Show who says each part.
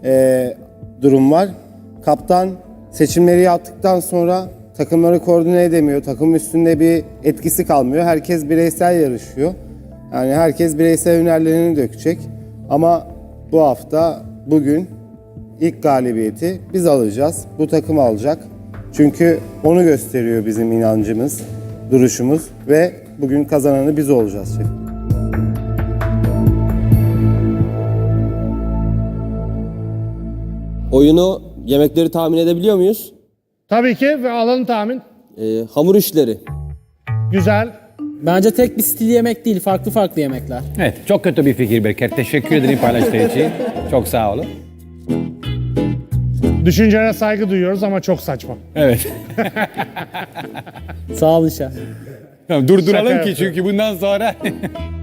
Speaker 1: durum var. Kaptan seçimleri yaptıktan sonra takımları koordine edemiyor. Takım üstünde bir etkisi kalmıyor. Herkes bireysel yarışıyor. Yani herkes bireysel hünerlerini dökecek. Ama bu hafta, bugün ilk galibiyeti biz alacağız. Bu takım alacak. Çünkü onu gösteriyor bizim inancımız, duruşumuz ve bugün kazananı biz olacağız şef.
Speaker 2: Oyunu, yemekleri tahmin edebiliyor muyuz?
Speaker 3: Tabii ki ve alanı tahmin.
Speaker 2: Hamur işleri.
Speaker 3: Güzel.
Speaker 4: Bence tek bir stil yemek değil, farklı farklı yemekler.
Speaker 5: Evet, çok kötü bir fikir Berker. Teşekkür ederim paylaştığı için. Çok sağ olun.
Speaker 3: Düşüncelere saygı duyuyoruz ama çok saçma.
Speaker 5: Evet.
Speaker 4: Sağ olun şef.
Speaker 5: Tamam, durduralım
Speaker 3: Şaka
Speaker 5: ki çünkü bundan sonra